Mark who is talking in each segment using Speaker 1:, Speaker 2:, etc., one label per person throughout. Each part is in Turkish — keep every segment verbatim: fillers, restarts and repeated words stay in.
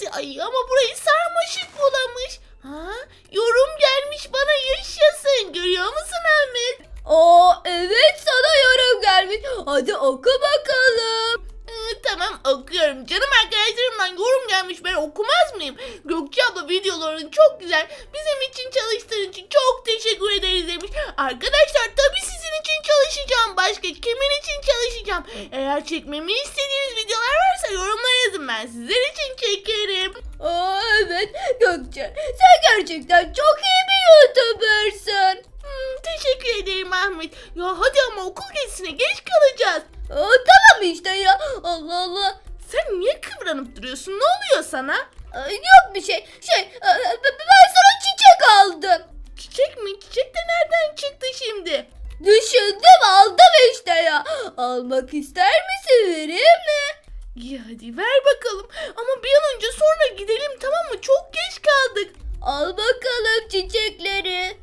Speaker 1: Ay ama burayı sarmaşık bulamış. Ha? Yorum gelmiş bana, yaşasın. Görüyor musun Ahmet?
Speaker 2: Aa evet, sana yorum gelmiş. Hadi oku bakalım.
Speaker 1: Ee, tamam okuyorum. Canım arkadaşlarımdan yorum gelmiş, ben okumaz mıyım? Gökçe abla videoların çok güzel. Bizim için çalıştığın için çok teşekkür ederiz demiş. Arkadaşlar tabii sizin için çalışacağım. Başka kimin için çalışacağım? Eğer çekmemi istediğiniz videolar varsa yorumlara yazın, ben sizler için çekerim.
Speaker 2: Aa evet Gökçe, sen gerçekten çok iyi bir YouTuber'sın.
Speaker 1: Hmm, teşekkür ederim Ahmet. Ya hadi ama okul gezisine geç kalacağız.
Speaker 2: Aa, tamam işte ya. Allah Allah.
Speaker 1: Sen niye kıvranıp duruyorsun? Ne oluyor sana?
Speaker 2: Aa, yok bir şey. Şey e, e, ben sana çiçek aldım.
Speaker 1: Çiçek mi? Çiçek de nereden çıktı şimdi?
Speaker 2: Düşündüm, aldım işte ya. Almak ister misin, vereyim mi?
Speaker 1: İyi hadi ver bakalım. Ama bir an önce sonra gidelim, tamam mı? Çok geç kaldık.
Speaker 2: Al bakalım çiçekleri.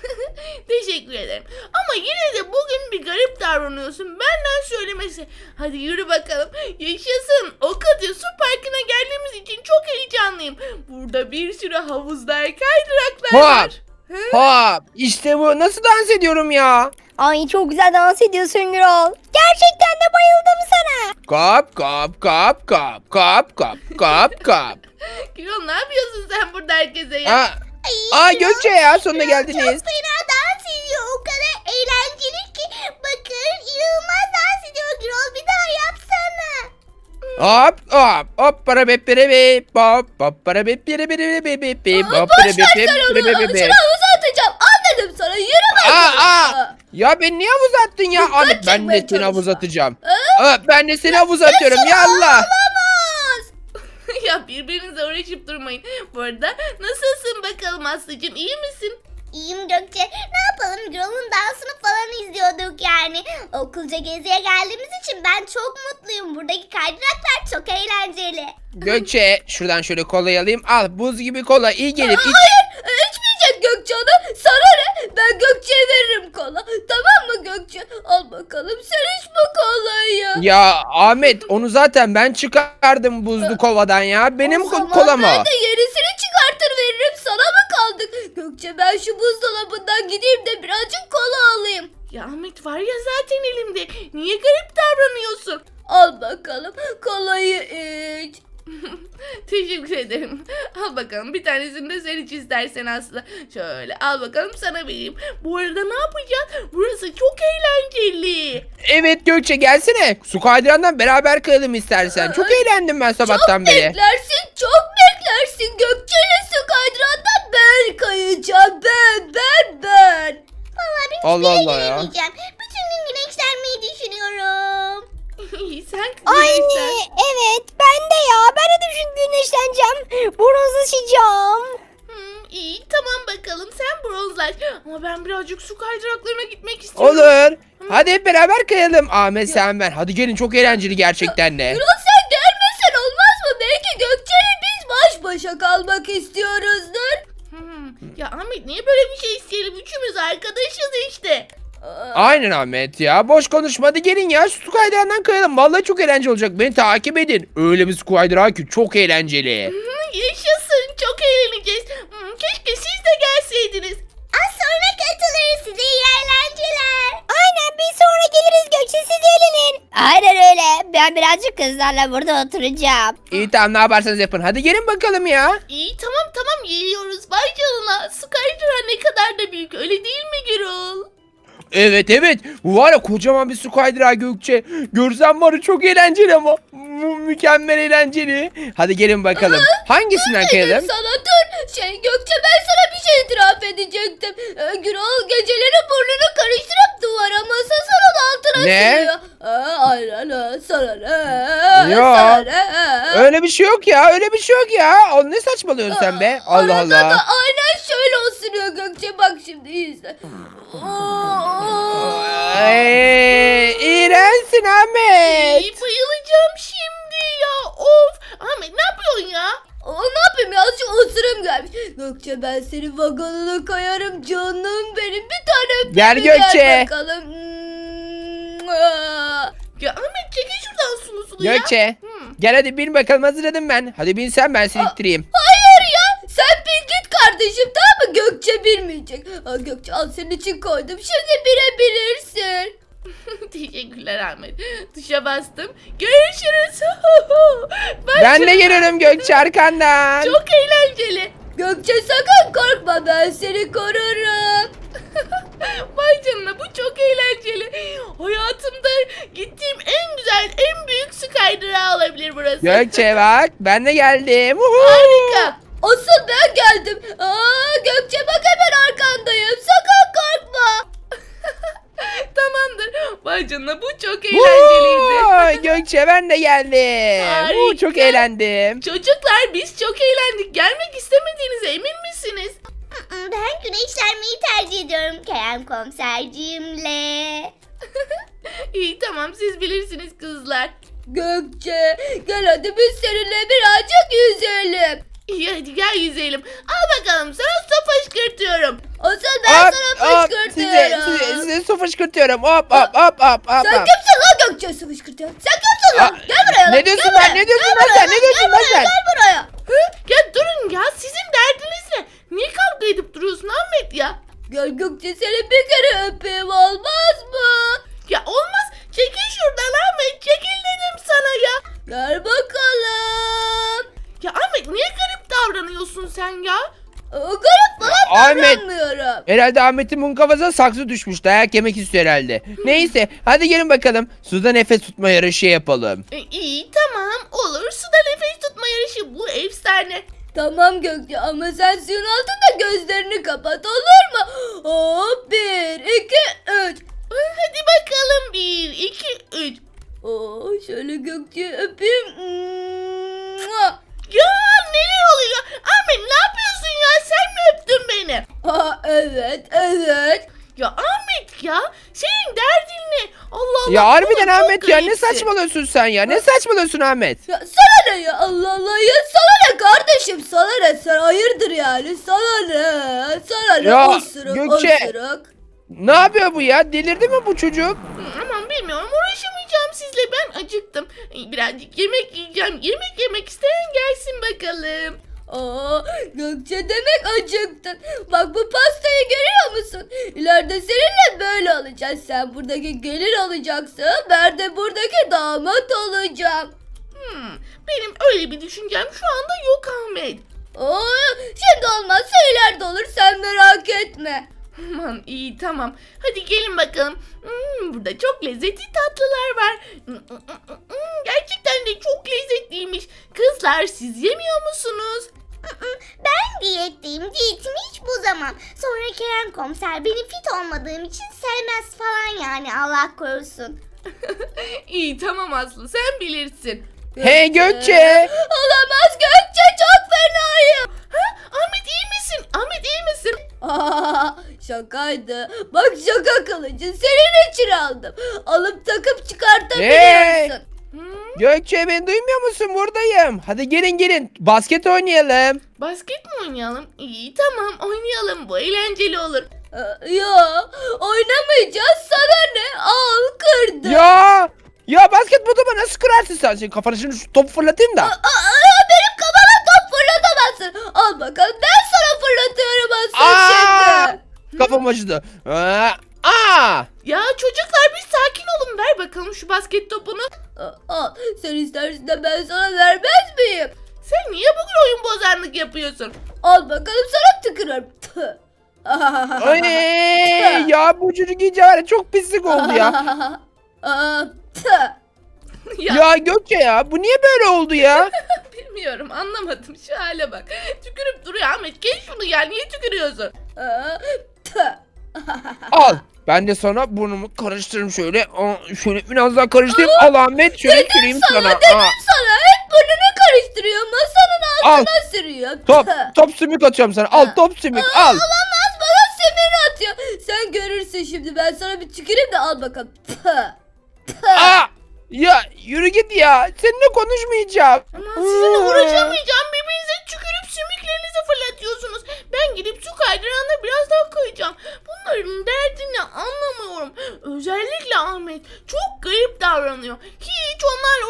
Speaker 1: Teşekkür ederim. Ama yine de bugün bir garip davranıyorsun. Benden söylemesi. Hadi yürü bakalım. Yaşasın. Okatya Su Parkı'na geldiğimiz için çok heyecanlıyım. Burada bir sürü havuzlar, kaydıraklar var.
Speaker 3: Hop! Hop! İşte bu. Nasıl dans ediyorum ya?
Speaker 4: Ay çok güzel dans ediyorsun Gürol. Gerçekten de bayıldım sana.
Speaker 3: Kap kap kap kap kap kap kap kap.
Speaker 1: Gürol, ne yapıyorsun sen burada herkese ya?
Speaker 3: Aa, aa Gökçe ya, sonunda geldiniz.
Speaker 4: Çok fena dans ediyor. O kadar eğlenceli ki. Bakın inanılmaz dans ediyor Gürol. Bir daha yapsana.
Speaker 3: Hop hop hop para bip bire bip hop hop para bip bire bire bip bip bip hop para bip bip bire bip bip.
Speaker 2: Şunu havuza atacağım. Anladım sana. Yürü
Speaker 3: Aa,
Speaker 2: bakalım.
Speaker 3: aa. Ya beni niye havuza attın ya?
Speaker 2: Dikkat
Speaker 3: Ahmet, ben de
Speaker 2: çekmeye
Speaker 3: seni havuza
Speaker 2: çalışma.
Speaker 3: atacağım. Aa, ben de seni havuza atıyorum ya Allah.
Speaker 2: Olamaz.
Speaker 1: Ya birbirinize uğraşıp durmayın. Bu arada nasılsın bakalım Aslı'cığım, iyi misin?
Speaker 4: İyiyim Gökçe. Ne yapalım, Gürol'un dansını falan izliyorduk yani. Okulca geziye geldiğimiz için ben çok mutluyum. Buradaki kaydıraklar çok eğlenceli.
Speaker 3: Gökçe, şuradan şöyle kolayı alayım. Al, buz gibi kola iyi gelir. İç.
Speaker 2: Hayır, içmeyecek Gökçe onu. Sana ne? Ben Gökçe'ye veririm kola. Tamam mı Gökçe? Al bakalım, sen iç bu kolayı.
Speaker 3: Ya Ahmet, onu zaten ben çıkardım buzlu kovadan ya. Benim
Speaker 2: O zaman
Speaker 3: kolam o.
Speaker 2: ben de yenisini çıkartır veririm. Sana mı kaldık? Gökçe, ben şu buzdolabından gideyim de birazcık kola alayım.
Speaker 1: Ya Ahmet, var ya zaten elimde. Niye garip davranıyorsun?
Speaker 2: Al bakalım kolayı iç.
Speaker 1: Teşekkür ederim. Al bakalım, bir tanesini de sen iç istersen Aslı. Şöyle al bakalım, sana vereyim. Bu arada ne yapacağız? Burası çok eğlenceli.
Speaker 3: Evet Gökçe, gelsene. Su kaydırandan beraber kayalım istersen. Çok eğlendim ben sabahtan
Speaker 2: Çok
Speaker 3: beri.
Speaker 2: beklersin, çok beklersin. Gökçe'yle su kaydırandan ben kayacağım. Ben, ben, ben.
Speaker 4: Vallahi ben
Speaker 3: Allah
Speaker 4: hiçbir
Speaker 3: Allah
Speaker 4: yere
Speaker 3: ya.
Speaker 4: gidemeyeceğim. Bütün gün güneşlenmeyi düşünüyorum.
Speaker 1: Sen
Speaker 4: Anne
Speaker 1: güneşlen.
Speaker 4: evet ben de ya. Ben de düşün güneşleneceğim. Bronzlaşacağım.
Speaker 1: Hmm, iyi tamam bakalım, sen bronzlaş. Ama ben birazcık su kaydıraklarına gitmek istiyorum.
Speaker 3: Olur. Hadi hep beraber kayalım. Ahmet, sen ben. Hadi gelin, çok eğlenceli gerçekten de.
Speaker 2: Gürol, sen gelmesen olmaz mı? Belki Gökçe'yle biz baş başa kalmak istiyoruzdur.
Speaker 1: Hmm, ya Ahmet, niye böyle bir şey isteyelim? Üçümüz arkadaşız işte.
Speaker 2: Aa,
Speaker 3: Aynen Ahmet ya. Boş konuşma. Hadi gelin ya. Su kaydırandan kayalım. Vallahi çok eğlenceli olacak. Beni takip edin. Öyle bir su kaydırağı ki çok eğlenceli.
Speaker 1: Hmm, yaşasın, çok eğleneceğiz. Hmm, keşke siz de gelseydiniz.
Speaker 4: Az sonra katılırız, size iyi eğlenceler. Aynen, bir sonra geliriz Gökçe, siz eğlenin. Aynen öyle. Ben birazcık kızlarla burada oturacağım.
Speaker 3: İyi, tamam, ne yaparsanız yapın. Hadi gelin bakalım ya.
Speaker 1: İyi tamam tamam, geliyoruz. Vay canına, su kaydırağı ne kadar da büyük, öyle değil mi Gürol?
Speaker 3: Evet evet. Bu var ya, kocaman bir su kaydırağı Gökçe. Görsen var ya, çok eğlenceli ama. Mü- mükemmel eğlenceli. Hadi gelin bakalım. Hangisinden
Speaker 2: dedim
Speaker 3: kayalım?
Speaker 2: sana dur. Şey Gökçe, ben sana bir şey itiraf edecektim. Ee, Gürol geceleri burnunu karıştırıp duvara masanın altına
Speaker 3: Ne?
Speaker 2: sürüyor. Aa, aynen ha, sana ne?
Speaker 3: Yo.
Speaker 2: Sana ne?
Speaker 3: Öyle bir şey yok ya. Öyle bir şey yok ya. O ne saçmalıyorsun sen be? Allah
Speaker 2: Arada
Speaker 3: Allah.
Speaker 2: da aynen şöyle osuruyor Gökçe, bak şimdi izle.
Speaker 3: Ay, iğrençsin Ahmet.
Speaker 1: İyi, bayılacağım şimdi ya. Of. Ahmet, ne yapıyorsun ya?
Speaker 2: Aa, ne yapayım ya, şu osurum gelmiş. Gökçe, ben senin vagonuna kayarım canım benim, bir tane öpeyim
Speaker 3: Gel
Speaker 2: mi?
Speaker 3: Gökçe.
Speaker 2: Gel bakalım.
Speaker 1: Ya Ahmet, çekil şuradan. nasıl uslu ya?
Speaker 3: Gökçe
Speaker 1: Hmm.
Speaker 3: gel hadi bin bakalım, hazırladım ben. Hadi bin sen, ben seni ittireyim.
Speaker 2: Hayır ya. Sen bir git kardeşim, tamam mı? Gökçe bilmeyecek. Aa, Gökçe al, senin için koydum. Şimdi bilebilirsin.
Speaker 1: Teşekkürler Ahmet. Tuşa bastım. Görüşürüz. Bak
Speaker 3: Ben
Speaker 1: şuna.
Speaker 3: de geliyorum Gökçe arkandan.
Speaker 1: Çok eğlenceli.
Speaker 2: Gökçe sakın korkma, ben seni korurum.
Speaker 1: Vay canına, bu çok eğlenceli. Hayatımda gittiğim en güzel, en büyük su kaydırağı olabilir burası.
Speaker 3: Gökçe bak, ben de geldim. Uhu.
Speaker 1: Harika.
Speaker 2: Asıl ben geldim. Aa, Gökçe bak, hemen arkandayım. Sakın korkma.
Speaker 1: Tamamdır. Vay canına, bu çok eğlenceliydi.
Speaker 3: Uhu, Gökçe ben de geldim.
Speaker 1: Harika.
Speaker 3: Uhu, çok eğlendim.
Speaker 1: Çocuklar, biz çok eğlendik. Gelmek istemediğinize emin misiniz?
Speaker 4: Mm, Ben güneşlenmeyi tercih ediyorum Kerem komiserciğimle.
Speaker 1: İyi tamam, siz bilirsiniz kızlar.
Speaker 2: Gökçe gel hadi biz seninle birazcık yüzelim.
Speaker 1: İyi hadi gel yüzeyelim. Al bakalım, sana su fışkırtıyorum.
Speaker 2: Asıl ben
Speaker 3: Hop,
Speaker 2: sana
Speaker 3: hop,
Speaker 2: fışkırtıyorum.
Speaker 3: Size, size, size su fışkırtıyorum. Hop hop hop hop hop.
Speaker 2: Sen
Speaker 3: hop.
Speaker 2: kimsin lan Gökçe, su fışkırtıyorsun? Sen kimsin lan?
Speaker 3: Aa,
Speaker 2: Gel buraya lan.
Speaker 3: ne diyorsun
Speaker 2: gel
Speaker 3: lan?
Speaker 2: buraya.
Speaker 3: Ne diyorsun
Speaker 2: Gel
Speaker 3: lan
Speaker 2: buraya
Speaker 3: sen? Ne diyorsun
Speaker 2: gel
Speaker 3: lan
Speaker 2: buraya,
Speaker 3: sen?
Speaker 2: Gel buraya.
Speaker 1: Hı? Ya durun ya, sizin derdiniz ne? Niye kavga edip duruyorsun Ahmet ya?
Speaker 2: Gel Gökçe, seni bir kere öpeyim, olmaz mı?
Speaker 1: Ya olmaz. Çekil şuradan Ahmet. Çekil dedim sana ya.
Speaker 2: Gel bakalım.
Speaker 1: Ya Ahmet, niye garip davranıyorsun sen ya?
Speaker 2: Aa, garip falan
Speaker 3: Ahmet.
Speaker 2: davranmıyorum.
Speaker 3: Herhalde Ahmet'in bunun kafasına saksı düşmüş. Dayak yemek istiyor herhalde. Neyse hadi gelin bakalım. Suda nefes tutma yarışı yapalım.
Speaker 1: E, iyi tamam, olur. Suda nefes tutma yarışı, bu efsane.
Speaker 2: Tamam Gökçe, ama sen suyun altında gözlerini kapat, olur mu? Hop, bir, iki, üç.
Speaker 1: Hadi bakalım, bir, iki, üç.
Speaker 2: Oo, şöyle Gökçe'yi öpeyim. Mua.
Speaker 1: Ya neler oluyor? Ahmet, ne yapıyorsun ya? Sen mi öptün beni?
Speaker 2: Aa, evet, evet.
Speaker 1: Ya Ahmet ya, senin derdin ne? Allah Allah.
Speaker 3: Ya harbiden
Speaker 1: bu çok
Speaker 3: Ahmet ya, ne
Speaker 1: garipsin.
Speaker 3: saçmalıyorsun sen ya? Ne saçmalıyorsun Ahmet?
Speaker 2: Ya sana ne ya, Allah Allah ya, sana ne kardeşim, sana ne, sen hayırdır yani, sana ne, sana ne,
Speaker 3: Ya,
Speaker 2: osuruk,
Speaker 3: Gökçe.
Speaker 2: osuruk.
Speaker 3: Ne yapıyor bu ya? Delirdi mi bu çocuk?
Speaker 1: Hı, Aman bilmiyorum, uğraşamayacağım sizle, ben acıktım. Ee, Birazcık yemek yiyeceğim. Yemek yemek isteyen gelsin bakalım.
Speaker 2: Aa, Gökçe demek acıktın. Bak, bu pastayı görüyor musun? İleride seninle böyle olacağız. Sen buradaki gelin olacaksın. Ben de buradaki damat olacağım.
Speaker 1: Hmm, benim öyle bir düşüncem şu anda yok Ahmet.
Speaker 2: Aa, şimdi olmazsa ileride olur, sen merak etme.
Speaker 1: Aman iyi tamam. Hadi gelin bakalım. Hmm, burada çok lezzetli tatlılar var. Hmm, hmm, hmm, hmm, gerçekten de çok lezzetliymiş. Kızlar, siz yemiyor musunuz?
Speaker 4: Ben diyetteyim. Diyetimi hiç bozamam. Sonra Kerem komiser beni fit olmadığım için sevmez falan, yani Allah korusun.
Speaker 1: İyi tamam Aslı, sen bilirsin.
Speaker 3: Hey Gökçe!
Speaker 2: Olamaz Gökçe, çok fenayım.
Speaker 1: Ha? Ahmet iyi misin? Ahmet iyi misin?
Speaker 2: Aa, şakaydı. Bak, şaka kılıcı senin için aldım. Alıp takıp çıkartabiliyorsun.
Speaker 1: Hmm,
Speaker 3: Gökçe beni duymuyor musun? Buradayım. Hadi gelin gelin. Basket oynayalım.
Speaker 1: basket mi oynayalım? İyi tamam, oynayalım. Bu eğlenceli olur.
Speaker 2: Ee, Ya oynamayacağız, sana ne? Al, kırdı.
Speaker 3: Ya! Ya basket topu nasıl kırarsın sen? Senin kafana şimdi şu topu fırlatayım da.
Speaker 2: Aa, aa, benim kafama top fırlatamazsın. Al bakalım, ben sana fırlatıyorum asıl
Speaker 3: Aa!
Speaker 2: şimdi.
Speaker 3: Kafam acıdı. Aa! Aa!
Speaker 1: Ya çocuklar, bir sakin olun. Ver bakalım şu basket topunu.
Speaker 2: Aa, Al, sen istersin de ben sana vermez miyim?
Speaker 1: Sen niye bugün oyun bozanlık yapıyorsun?
Speaker 2: Al bakalım, sana tükürüyorum. Tüh.
Speaker 3: Ay! Ya bu çocuk iyice var ya, çok pislik oldu ya.
Speaker 2: Aa, tüh.
Speaker 1: Ya,
Speaker 3: Ya Gökçe ya, bu niye böyle oldu ya?
Speaker 1: bilmiyorum, anlamadım. Şu hale bak. Tükürüp duruyor Ahmet. Gel şunu ya. Niye tükürüyorsun?
Speaker 2: Aa, tüh.
Speaker 3: Al. Ben de sana burnumu karıştırırım şöyle. Aa, şöyle biraz daha karıştırayım. Al Ahmet, şöyle süreyim sana.
Speaker 2: Sana
Speaker 3: Aa.
Speaker 2: dedim sana, hep burnunu karıştırıyor, masanın
Speaker 3: Al.
Speaker 2: altına sürüyor.
Speaker 3: Top,
Speaker 2: Tüh.
Speaker 3: top sümük atıyorum sana. Al top sümük al.
Speaker 2: Olamaz, bana semini atıyor. Sen görürsün şimdi, ben sana bir tüküreyim de al bakalım. Tüh. Tüh.
Speaker 3: Aa! Ya yürü git ya. Seninle konuşmayacağım.
Speaker 1: Aman sizinle uğraşamayacağım. Birbirinize tükürüp sümüklerinizi fırlatıyorsunuz. Ben gidip su kaydırağına biraz daha kayacağım. Bunların derdini anlamıyorum. Özellikle Ahmet çok garip davranıyor. Hiç onlarla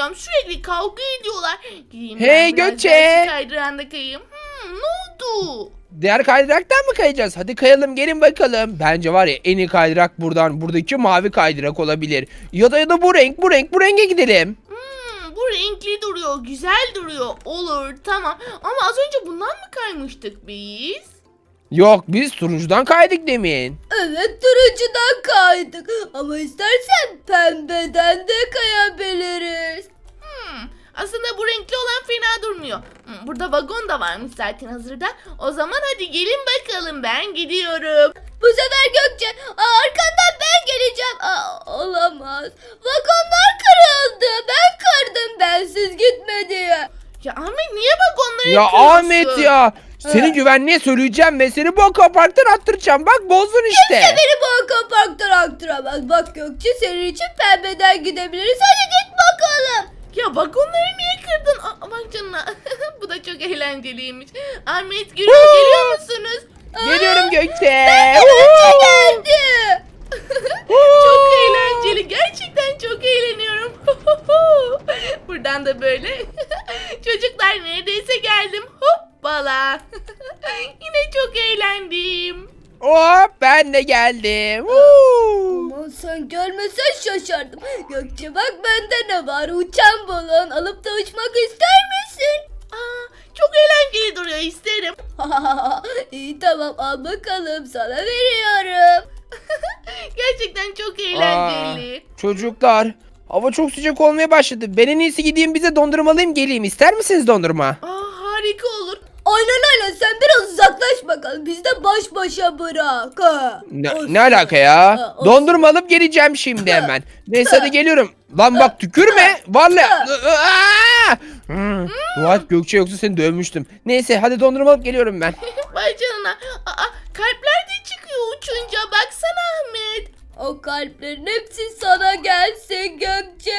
Speaker 1: Allah'ım sürekli kavga ediyorlar. Gideyim
Speaker 3: Hey
Speaker 1: ben biraz
Speaker 3: Gökçe!
Speaker 1: daha şu kaydıranda kayayım. Hmm, ne oldu?
Speaker 3: Diğer kaydıraktan mı kayacağız? Hadi kayalım gelin bakalım. Bence var ya en iyi kaydırak buradan. Buradaki mavi kaydırak olabilir. Ya da ya da bu renk bu renk bu renge gidelim.
Speaker 1: Hmm, bu renkli duruyor, güzel duruyor. Olur, tamam. Ama az önce bundan mı kaymıştık biz?
Speaker 3: Yok biz turuncudan kaydık demin.
Speaker 2: Evet turuncudan kaydık ama istersen pembeden de kayabiliriz.
Speaker 1: Hmm, aslında bu renkli olan fena durmuyor. Hmm, burada vagon da varmış zaten hazırda. O zaman hadi gelin bakalım, ben gidiyorum.
Speaker 2: Bu sefer Gökçe aa, arkandan ben geleceğim. Aa, olamaz. Vagonlar kırıldı. Ben kırdım bensiz gitme diye.
Speaker 1: Ya Ahmet niye vagonları
Speaker 3: Ya
Speaker 1: yıkıyorsun?
Speaker 3: Ahmet ya. Senin güvenliğe söyleyeceğim ve seni bu akaparktan attıracağım. Bak bozdun işte.
Speaker 2: Beni bu akaparktan aktıramaz. Bak Gökçe senin için pembeden gidebiliriz. Hadi git bakalım.
Speaker 1: Ya vagonları niye kırdın? Aa, bak canına. Bu da çok eğlenceliymiş. Ahmet, Gürol geliyor musunuz?
Speaker 3: Geliyorum Gökçe.
Speaker 2: Geldi.
Speaker 1: Çok eğlenceli. Gerçekten çok eğleniyorum. Buradan da böyle. Çocuklar neredeyse geldim. Hoppala. Yine çok eğlendim.
Speaker 3: Hop ben de geldim. Woo.
Speaker 2: Aman sen görmesen şaşardım. Gökçe bak bende ne var? Uçan balon alıp da uçmak ister misin?
Speaker 1: Aa, çok eğlenceli duruyor, isterim.
Speaker 2: İyi tamam al bakalım sana veriyorum.
Speaker 1: Gerçekten çok eğlenceli.
Speaker 3: Aa, çocuklar hava çok sıcak olmaya başladı. Ben en iyisi gideyim bize dondurma alayım geleyim. İster misiniz dondurma?
Speaker 1: Aa, harika olur.
Speaker 2: Aynen aynen sen biraz uzaklaş bakalım. Biz de baş başa bırak. Ha.
Speaker 3: Ne,
Speaker 2: Olsun.
Speaker 3: ne alaka ya?
Speaker 2: Ha, olsun.
Speaker 3: Dondurma alıp geleceğim şimdi hemen. Neyse hadi geliyorum. Lan bak tükürme. Vallahi. Aa! Hmm, Dua et Gökçe yoksa seni dövmüştüm. Neyse hadi dondurma alıp geliyorum ben.
Speaker 1: Vay canına. Aa, kalpler de çıkıyor uçunca. Baksana Ahmet.
Speaker 2: O kalplerin hepsi sana gelsin Gökçe.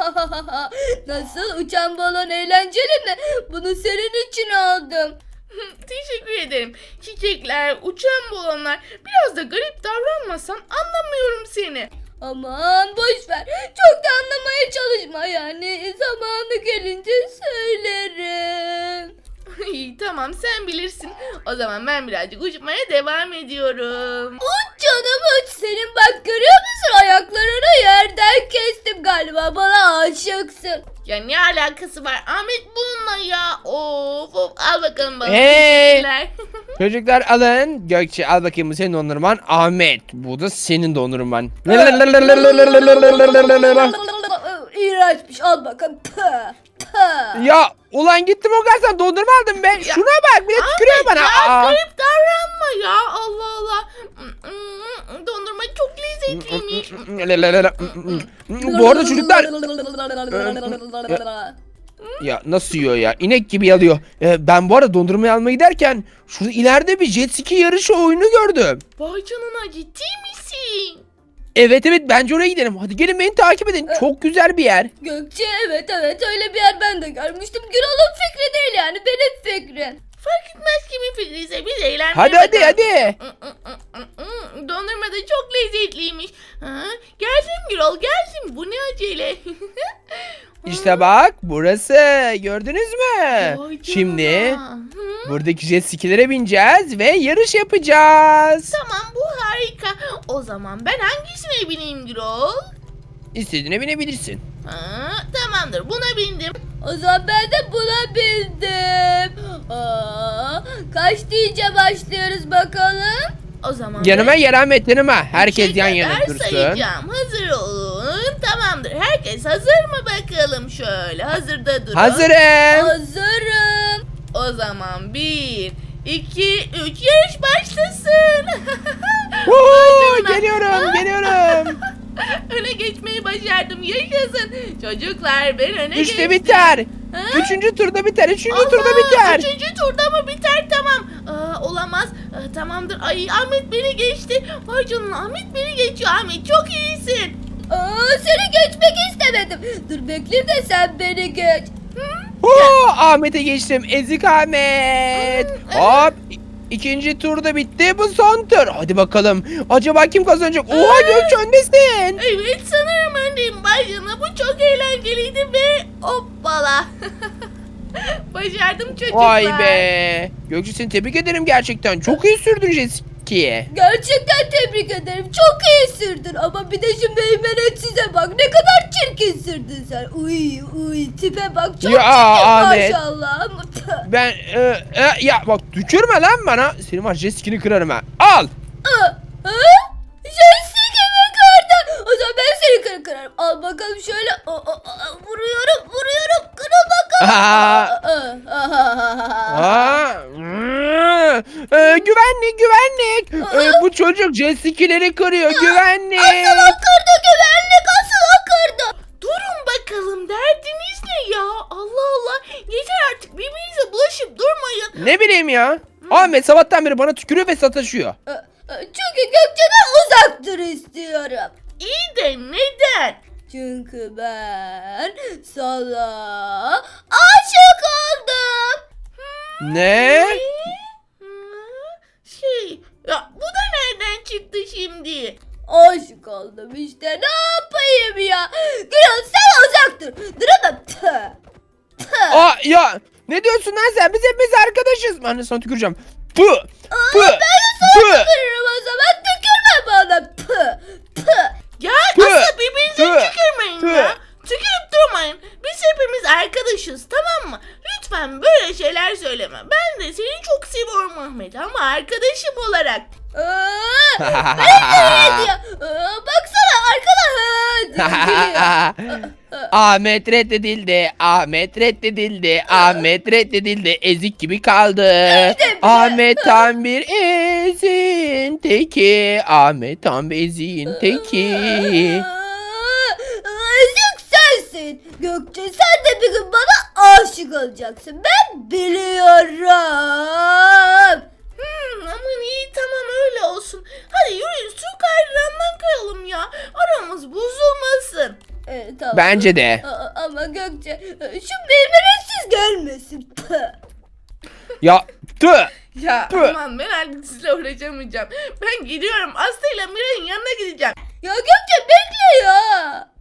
Speaker 2: Nasıl uçan balon eğlenceli mi? Bunu senin için aldım.
Speaker 1: Teşekkür ederim. Çiçekler, uçan balonlar. Biraz da garip davranmasan anlamıyorum seni.
Speaker 2: Aman boş ver. Çok da anlamaya çalışma yani. Zamanı gelince söylerim.
Speaker 1: İyi tamam, sen bilirsin. O zaman ben birazcık uçmaya devam ediyorum.
Speaker 2: Uç canım uç. Senin bak görüyor musun ayaklarını yerden kestim galiba. Bana aşıksın.
Speaker 1: Ya ne alakası var Ahmet bununla ya? Of of, al bakalım bana.
Speaker 3: Hey!
Speaker 1: Teşekkürler.
Speaker 3: Çocuklar alın. Gökçe al bakayım bu senin dondurman. Ahmet bu da senin dondurman.
Speaker 2: İğrençmiş al bakalım. Pah, pah.
Speaker 3: Ya ulan gittim o kadar sana dondurma aldım ben. Şuna bak bir de tükürüyor bana.
Speaker 1: Ya
Speaker 3: Aa.
Speaker 1: garip davranma ya, Allah Allah. Dondurma çok lezzetliymiş.
Speaker 3: Bu arada çocuklar ya nasıl yiyor ya? İnek gibi yalıyor. Ee, ben bu arada dondurmayı almaya giderken şurada ileride bir jet ski yarışı oyunu gördüm.
Speaker 1: Vay canına, ciddi misin?
Speaker 3: Evet evet bence oraya gidelim. Hadi gelin beni takip edin. Çok güzel bir yer.
Speaker 2: Gökçe evet evet öyle bir yer ben de görmüştüm. Gürol'un fikri değil yani benim fikrim.
Speaker 1: Fark etmez kimin fikriyse biz eğlenmeye
Speaker 3: Hadi hadi
Speaker 1: bakalım.
Speaker 3: hadi.
Speaker 1: Dondurma da çok lezzetliymiş. Ha, geldim Gürol, geldim. Bu ne acele?
Speaker 3: İşte bak burası. Gördünüz mü?
Speaker 1: Vay canına.
Speaker 3: Şimdi
Speaker 1: Hı?
Speaker 3: buradaki jet skilere bineceğiz ve yarış yapacağız.
Speaker 1: Tamam, bu harika. O zaman ben hangisine bineyim Gürol?
Speaker 3: İstediğine binebilirsin.
Speaker 1: Ha, tamamdır, buna bindim.
Speaker 2: O zaman ben de buna bildim. Aa, kaç deyince başlıyoruz bakalım.
Speaker 1: O zaman
Speaker 3: Yanıma
Speaker 1: ben
Speaker 3: yer Ahmet yanıma. Herkes
Speaker 1: üçe
Speaker 3: yan yana
Speaker 1: kadar
Speaker 3: dursun.
Speaker 1: sayacağım. Hazır olun. Tamamdır. Herkes hazır mı bakalım? Şöyle hazırda durun.
Speaker 3: Hazırım.
Speaker 2: Hazırım.
Speaker 1: O zaman bir, iki, üç, yarış başlasın.
Speaker 3: Woo,
Speaker 1: canına.
Speaker 3: geliyorum geliyorum.
Speaker 1: Öne geçmeyi başardım. Yaşasın. Çocuklar ben öne
Speaker 3: Üçte
Speaker 1: geçtim.
Speaker 3: biter.
Speaker 1: Ha?
Speaker 3: Üçüncü turda biter. Üçüncü
Speaker 1: Allah,
Speaker 3: turda biter.
Speaker 1: Üçüncü turda mı biter? Tamam. Aa, olamaz. Aa, tamamdır. Ay Ahmet beni geçti. Vay canına, Ahmet beni geçiyor. Ahmet çok iyisin.
Speaker 2: Aa, seni geçmek istemedim. Dur bekle de sen beni geç.
Speaker 3: Oo, Ahmet'e geçtim. Ezik Ahmet. Hop. İkinci tur da bitti. Bu son tur. Hadi bakalım. Acaba kim kazanacak? Oha Gökçe öndesin.
Speaker 1: Evet sanırım öndeyim Baycan'a. Bu çok eğlenceliydi ve hoppala. Başardım çocuklar.
Speaker 3: Vay be. Gökçe seni tebrik ederim gerçekten. Çok iyi sürdün jet ski'ye.
Speaker 2: Gerçekten tebrik ederim. Çok iyi sürdün ama bir de şu meymenetsize bak. Ne kadar çirkin sürdün sen. Uy uy tipe bak. Çok
Speaker 3: Ya,
Speaker 2: çirkin
Speaker 3: Ahmet.
Speaker 2: maşallah.
Speaker 3: Ben e, e, ya bak tükürme lan bana. Senin var jet ski'ni kırarım ha. Al.
Speaker 2: Ha? Jessica mi kırdın? O zaman ben seni kır kırarım. Al bakalım şöyle. O, o, o, vuruyorum vuruyorum. Kırıl bakalım.
Speaker 3: Aa.
Speaker 2: Aa.
Speaker 3: Aa, mm, e, güvenlik güvenlik. E, bu çocuk jet ski'leri kırıyor güvenlik.
Speaker 2: Asıl o kırdı güvenlik. Asıl o kırdı.
Speaker 1: Durun bakalım derdiniz ne ya? Allah Allah. Yeter artık birbirinize bulaşıp durmayın.
Speaker 3: Ne bileyim ya. Ahmet sabahtan beri bana tükürüyor ve sataşıyor.
Speaker 2: Ee, e, Çünkü Gökçe'den uzak dur istiyorum.
Speaker 1: İyi de neden?
Speaker 2: Çünkü ben sana aşık oldum.
Speaker 3: Ne?
Speaker 1: Hı, Şey ya bu da nereden çıktı şimdi?
Speaker 2: Aşık oldum işte ne yapayım ya. Gürol sen uzak dur. Duramam. Tüh. Tüh.
Speaker 3: Aa ya ne diyorsun lan sen? Biz hepimiz arkadaşız. Ben de sana tüküreceğim. Pı. Pı. Pı.
Speaker 2: Tükürürüm o zaman tükürme bana. Püh. Püh.
Speaker 1: Ya
Speaker 3: Tüh,
Speaker 1: asıl birbirinize
Speaker 3: tüh,
Speaker 1: tükürmeyin
Speaker 3: tüh.
Speaker 1: ya. Tükürüp durmayın. Biz hepimiz arkadaşız tamam mı? Lütfen böyle şeyler söyleme. Ben de seni çok seviyorum Ahmet ama arkadaşım olarak.
Speaker 2: Aa, ne diyor? Aa, baksana arkada. Ha, gülüyor.
Speaker 3: Ahmet reddedildi. Ahmet reddedildi. Ahmet reddedildi. Ezik gibi kaldı. Ahmet tam bir ezin teki. Ahmet tam bir ezin teki.
Speaker 2: Aa, ezik sensin. Gökçe sen de bir gün bana aşık olacaksın. Ben biliyorum.
Speaker 1: Hmm, aman iyi tamam öyle olsun. Hadi yürüyün su kaydırandan kayalım ya. Aramız bozulmasın.
Speaker 2: Evet, tamam.
Speaker 3: Bence de.
Speaker 2: Aa, ama Gökçe şu meymenetsiz gelmesin. Püh.
Speaker 3: Ya tüh.
Speaker 1: Ya
Speaker 3: Tüh.
Speaker 1: aman ben artık sizle uğraşamayacağım. Ben gidiyorum Aslı ile Miray'ın yanına gideceğim.
Speaker 2: Ya Gökçe bekle ya.